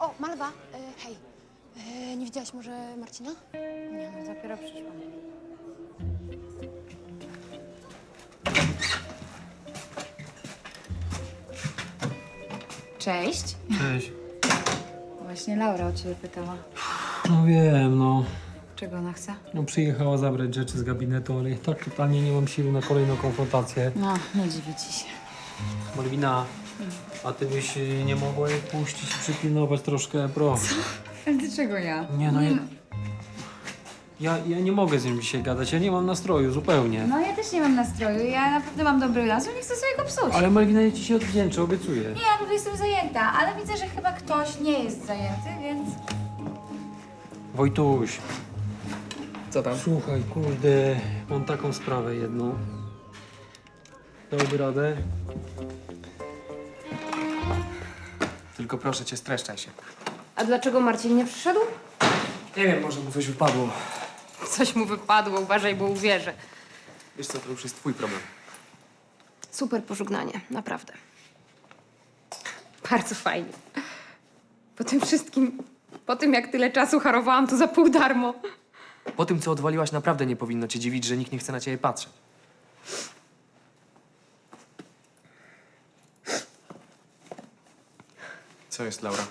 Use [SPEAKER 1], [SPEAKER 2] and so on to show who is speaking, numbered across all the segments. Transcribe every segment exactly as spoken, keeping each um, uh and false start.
[SPEAKER 1] O, Malwa, e, hej. E, nie widziałaś może Marcina?
[SPEAKER 2] Nie no, dopiero przyszłam. Cześć.
[SPEAKER 3] Cześć.
[SPEAKER 2] Właśnie Laura o ciebie pytała.
[SPEAKER 3] No wiem, no.
[SPEAKER 2] Czego ona chce?
[SPEAKER 3] No przyjechała zabrać rzeczy z gabinetu, ale tak totalnie nie mam siły na kolejną konfrontację.
[SPEAKER 2] No, nie dziwi ci się.
[SPEAKER 3] Malwina, a ty byś y, nie mogła jej puścić i przypilnować troszkę, proszę.
[SPEAKER 2] Ale dlaczego ja?
[SPEAKER 3] Nie no, ja, ja, ja nie mogę z nią dzisiaj gadać, ja nie mam nastroju zupełnie.
[SPEAKER 2] No ja też nie mam nastroju, ja naprawdę mam dobry nastroj, nie chcę sobie go psuć.
[SPEAKER 3] Ale Malwina, ja ci się odwdzięczę, obiecuję.
[SPEAKER 2] Nie, ja tutaj jestem zajęta, ale widzę, że chyba ktoś nie jest zajęty, więc...
[SPEAKER 3] Wojtuś,
[SPEAKER 4] Co tam?
[SPEAKER 3] słuchaj, kurde, mam taką sprawę jedną. Dałby radę?
[SPEAKER 4] Tylko proszę cię, streszczaj się.
[SPEAKER 1] A dlaczego Marcin nie przyszedł?
[SPEAKER 4] Nie wiem, może mu coś wypadło.
[SPEAKER 1] Coś mu wypadło, uważaj, bo uwierzę.
[SPEAKER 4] Wiesz co, to już jest twój problem.
[SPEAKER 1] Super pożegnanie, naprawdę. Bardzo fajnie. Po tym wszystkim, po tym jak tyle czasu harowałam tu za pół darmo.
[SPEAKER 4] Po tym, co odwaliłaś, naprawdę nie powinno cię dziwić, że nikt nie chce na ciebie patrzeć. Co jest, Laura?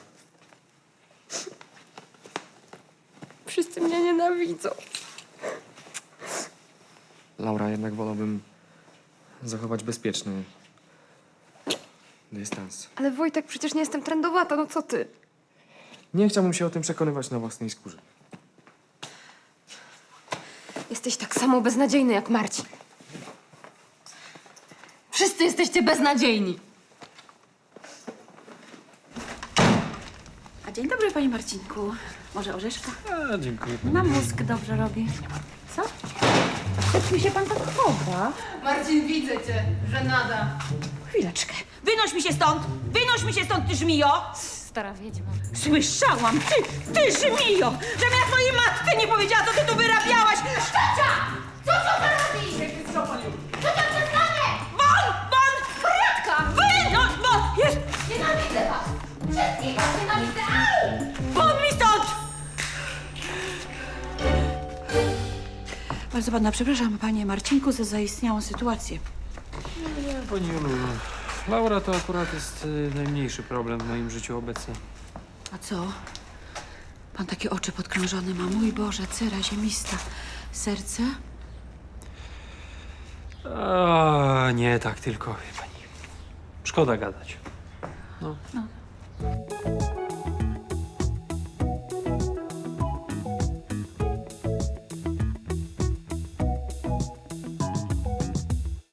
[SPEAKER 1] Wszyscy mnie nienawidzą.
[SPEAKER 4] Laura, jednak wolałbym zachować bezpieczny dystans.
[SPEAKER 1] Ale Wojtek, przecież nie jestem trendowata, no co ty?
[SPEAKER 4] Nie chciałbym się o tym przekonywać na własnej skórze.
[SPEAKER 1] Jesteś tak samo beznadziejny jak Marcin. Wszyscy jesteście beznadziejni.
[SPEAKER 5] A dzień dobry, panie Marcinku. Może orzeszka?
[SPEAKER 3] A, dziękuję.
[SPEAKER 5] Na mózg dobrze robi. Co? Jak mi się pan tak chowa?
[SPEAKER 1] Marcin, widzę cię, żenada.
[SPEAKER 5] Chwileczkę. Wynoś mi się stąd! Wynoś mi się stąd, ty żmijo!
[SPEAKER 1] Stara wiedźma.
[SPEAKER 5] Słyszałam, ty, ty żmijo! Żebym ja twojej matce nie powiedziała, co ty tu wyrabiałaś! Szczacia! Co co ty robisz? Co to przestanę? Won! Won! Radka! Wynoś! Won! Jest! Nienawidzę was! Wszystkich was nienawidzę! Au! Won mi stąd! Bardzo pana przepraszam, panie Marcinku, za zaistniałą sytuację.
[SPEAKER 3] Nie, pani Julu, Laura to akurat jest y, najmniejszy problem w moim życiu obecnie.
[SPEAKER 5] A co? Pan takie oczy podkrążone ma. Mój Boże, cera ziemista. Serce?
[SPEAKER 3] A, nie tak tylko, wie pani. Szkoda gadać. No.
[SPEAKER 5] No.